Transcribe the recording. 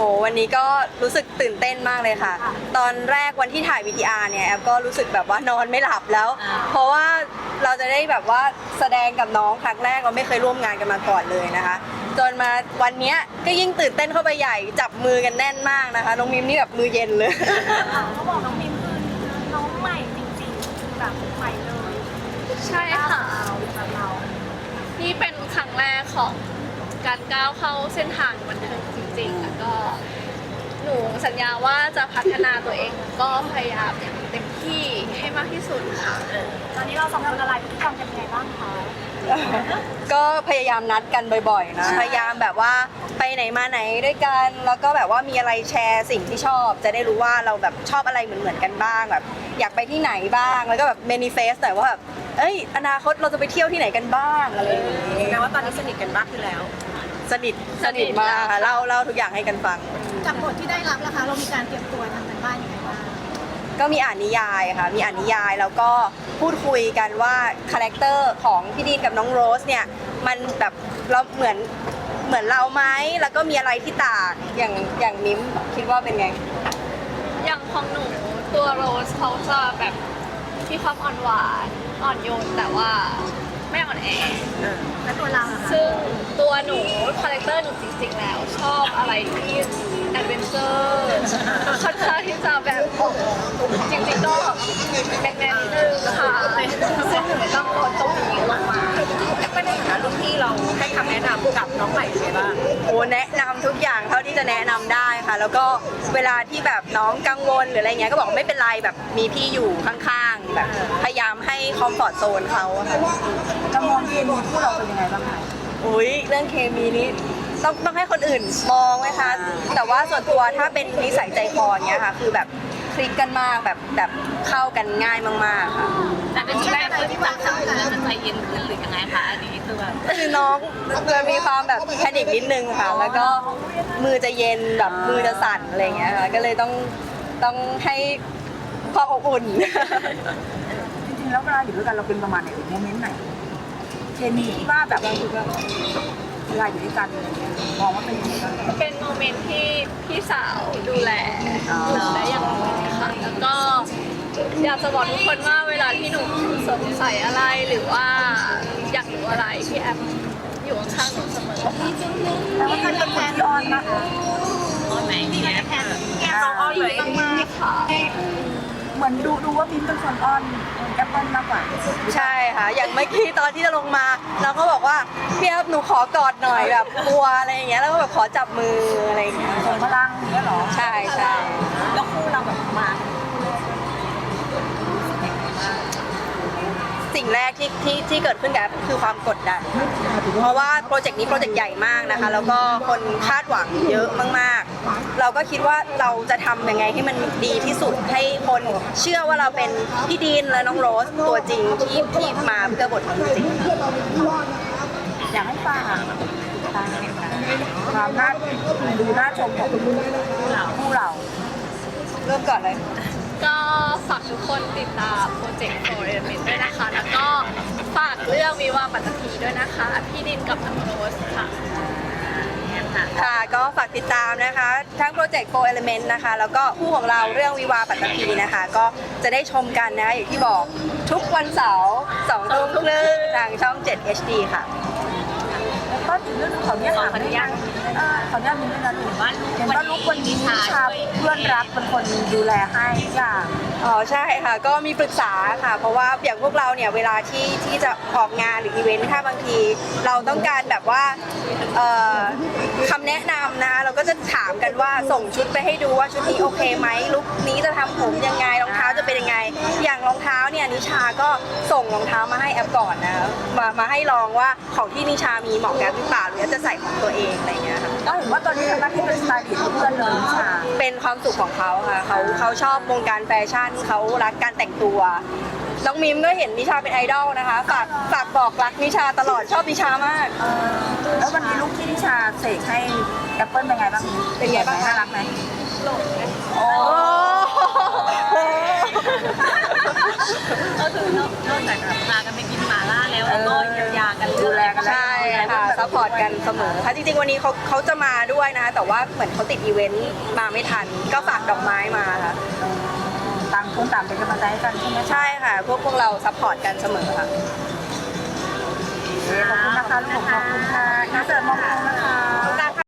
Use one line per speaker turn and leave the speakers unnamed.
วันนี้ก็รู้สึกตื่นเต้นมากเลยค่ะตอนแรกวันที่ถ่าย VTR เนี่ยแอฟก็รู้สึกแบบว่านอนไม่หลับแล้วเพราะว่าเราจะได้แบบว่าแสดงกับน้องครั้งแรกเราไม่เคยร่วมงานกันมาก่อนเลยนะคะจนมาวันนี้ก็ยิ่งตื่นเต้นเข้าไปใหญ่จับมือกันแน่นมากนะคะน้องมิมนี่แบบมือเย็นเลย
เขาบอกน้องมิมคือน้องใหม่จริงๆคือแบบใหม่เลย
ใช่ค่ะ
แบบเรา
นี่เป็นครั้งแรกของการก้าวเข้าเส้นทางบันเทิงจริงๆแล้วก็หนูสัญญาว่าจะพัฒนาตัวเองก็พยายามอย่างเต็มที่ให้มากที่สุดค่ะ
ตอนนี้เราสองคนอะไรพฤติกรรมกันยังไงบ้างคะ
ก็พยายามนัดกันบ่อยๆนะพยายามแบบว่าไปไหนมาไหนด้วยกันแล้วก็แบบว่ามีอะไรแชร์สิ่งที่ชอบจะได้รู้ว่าเราแบบชอบอะไรเหมือนๆกันบ้างแบบอยากไปที่ไหนบ้างแล้วก็แบบเมนิเฟสหน่อยว่าแบบอนาคตเราจะไปเที่ยวที่ไหนกันบ้างอะไรอย่างนี้
แปลว่าตอนนี้สนิทกันมากขึ้นแล้ว
สนิทมากค่ะเล่าทุกอย่างให้กันฟัง
จากบทที่ได้รับนะคะเรามีการเตรียมตัวทำกันบ้านยังไงบ้าง
ก็มีอ่านนิยายค่ะมีอ่านนิยายแล้วก็พูดคุยกันว่าคาแรคเตอร์ของพี่ดีนกับน้องโรสเนี่ยมันแบบเราเหมือนเราไหมแล้วก็มีอะไรที่ต่างอย่างมิ้มคิดว่าเป็นไง
อย่างของหนูตัวโรสเขาจะแบบมีความอ่อนหวานอ่อนโยนแต่ว่าไม่อ่อนแอ
และตัวเรา
ซึ่งตัวหนูคาแรคเตอร์หนูจริงๆแล้วชอบอะไรที่แอดเวนเจอร์ค่อนข้างที่จะแบบจริงๆก็แมนๆนิดนึงค่ะซึ่งหนูต้องลดตรงนี้ลงมา
ไม่ได้ค่ะรุ่นพี่เราให้คำแนะนำกับน้องใหม่ยังไงบ้าง
แนะนำทุกอย่างเท่าที่จะแนะนำได้ค่ะแล้วก็เวลาที่แบบน้องกังวลหรืออะไรเงี้ยก็บอกไม่เป็นไรแบบมีพี่อยู่ข้างๆแบบพยายามให้คอมฟอร์ตโซนเขาค่ะ
เรามองเคมีคู่เราเป็นยังไงบ้างคะ
เรื่องเคมีนี้ต้องให้คนอื่นมองไหมคะแต่ว่าส่วนตัวถ้าเป็นนิสัยใจคอเงี้ยค่ะคือแบบคลิกกันมากแบบเข้ากันง่ายมากๆค่ะ
แต่เป็นช่วงแรกที่ฟังข่าวแล้วจะใจเย็นขึ้นหรือยังไงคะอันนี้
คือน้องจะมีความแบบแพนิคนิดนึงค่ะแล้วก็มือจะเย็นแบบมือจะสั่นอะไรเงี้ยค่ะก็เลยต้องให้ความอบอุ่น
จริงๆแล้วเวลาอยู่ด้วยกันเราเป็นประมาณไหนโมเมนต์ไหนเคมีที่ว่าแบบเราคือเวลาอยู่ด้วยกันอะไรเงี้ยมองว่าเป็นยังไงบ้าง
เป็นโมเมนต์ที่พี่สาวดูแลและอย่างดีค่ะแล้วก็อยากจะบอกทุกคนว่าเวลาที่หนูสงสัยอะไรหรือว่าอยากรู้อะไรพี่แอฟอยู่ข้างหนูเสมอ
แล้วก็เป็นคนที่อ้อนมากอ้อนไหมพี่แอฟน้องอ้อนเลย
มากค่ะ
เหมือนดูว่ามิ้นเป็นคนอ้อนแอปเปิลมากกว่า
ใช่ค่ะอย่างเมื่อกี้ตอนที่จะลงมาเราก็บอกว่าพี่แอฟหนูขอกอดหน่อยแบบกลัวอะไรอย่างเงี้ยแล้วก็แบบขอจับมืออะไรอย่างเงี้ย
ส่งพลังอย่างเงี้ยหรอ
ใช่
แล้วคู่เราแบบมา
สิ่งแรกที่เกิดขึ้นกับคือความกดดันเพราะว่าโปรเจกต์นี้โปรเจกต์ใหญ่มากนะคะแล้วก็คนคาดหวังเยอะมากๆเราก็คิดว่าเราจะทำยังไงให้มันดีที่สุดให้คนเชื่อว่าเราเป็นพี่ดีนและน้องโรสตัวจริงที่มาเพื่อบทนี้จริง
อยากให้ฟังความน่าดูน่าชมของคู่เรา
เริ่มก่อนเลย
ก็ฝากทุกคนติดตามโปรเจกต์ For Element ด้วยนะคะแล้วก็ฝากเรื่องวิวาห์ปัตตภีด้วยนะคะพี่ดินกับน้องโรสค่ะ
ค่ะก็ฝากติดตามนะคะทั้งโปรเจกต์ Four Element นะคะแล้วก็คู่ของเราเรื่องวิวาห์ปัตตภีนะคะก็จะได้ชมกันนะคะอย่างที่บอกทุกวันเสาร์2 ทุ่มครึ่งทางช่อง 7 HD ค่ะ
ก็ถึงเรื่องของเนี่ยค่ะขออนุญาตมีด้วยนะหรือว่าเห็นว่าลูกคนนี้ชาเพื่อนรักเป็นคนดูแลให้อย่าง
ใช่ค่ะก็มีปรึกษาค่ะเพราะว่าอย่างพวกเราเนี่ยเวลาที่จะออกงานหรืออีเวนต์ถ้าบางทีเราต้องการแบบว่าคำแนะนำนะคะเราก็จะถามกันว่าส่งชุดไปให้ดูว่าชุดนี้โอเคไหมลุคนี้จะทำผมยังไงรองเท้าจะเป็นยังไงอย่างรองเท้าเนี่ยนิชาก็ส่งรองเท้ามาให้แอปก่อนนะมาให้ลองว่าของที่นิชามีเหมาะกับหรือเปล่าหรือจะใส่ของตัวเองอะไรเงี้ยค่ะ
ก็เห็นว่าตอนนี้ทำหน้าที่เป็นสไตลิสต์เพื่อนเลยนิชา
เป็นความสุขของเขาค่ะเขาชอบวงการแฟชั่นเขารักการแต่งตัวน้องมิมก็เห็นนิชาเป็นไอดอลนะคะฝากบอกรักนิชาตลอดชอบนิชามาก
แล้ววันนี้ลูกที่นิชาเสกให้แอปเปิลเป็นไงบ้าง
เป็นไงบ้าง
น่ารักไหม
หลงไหม
โอ้
ก็คือนอกจากแบบพากันไปกินหม่าล่าแล้วก็เยียวยากัน
ดูแลกัน
ใช่ค่ะสซัพพอร์ตกันเสมอค่ะจริงๆวันนี้เขาจะมาด้วยนะคะแต่ว่าเหมือนเขาติดอีเวนต์มาไม่ทันก็ฝากดอกไม้มาค่ะ
ต่างคนต่างเป็นกำลังใจให้กันใช่ไหม
ใช่ค่ะพวกเราซัพพอร์ตกันเสมอค่ะ
ขอบคุณนะคะลูกขอบคุณค่ะน่าเสิร์ฟมองนะคะ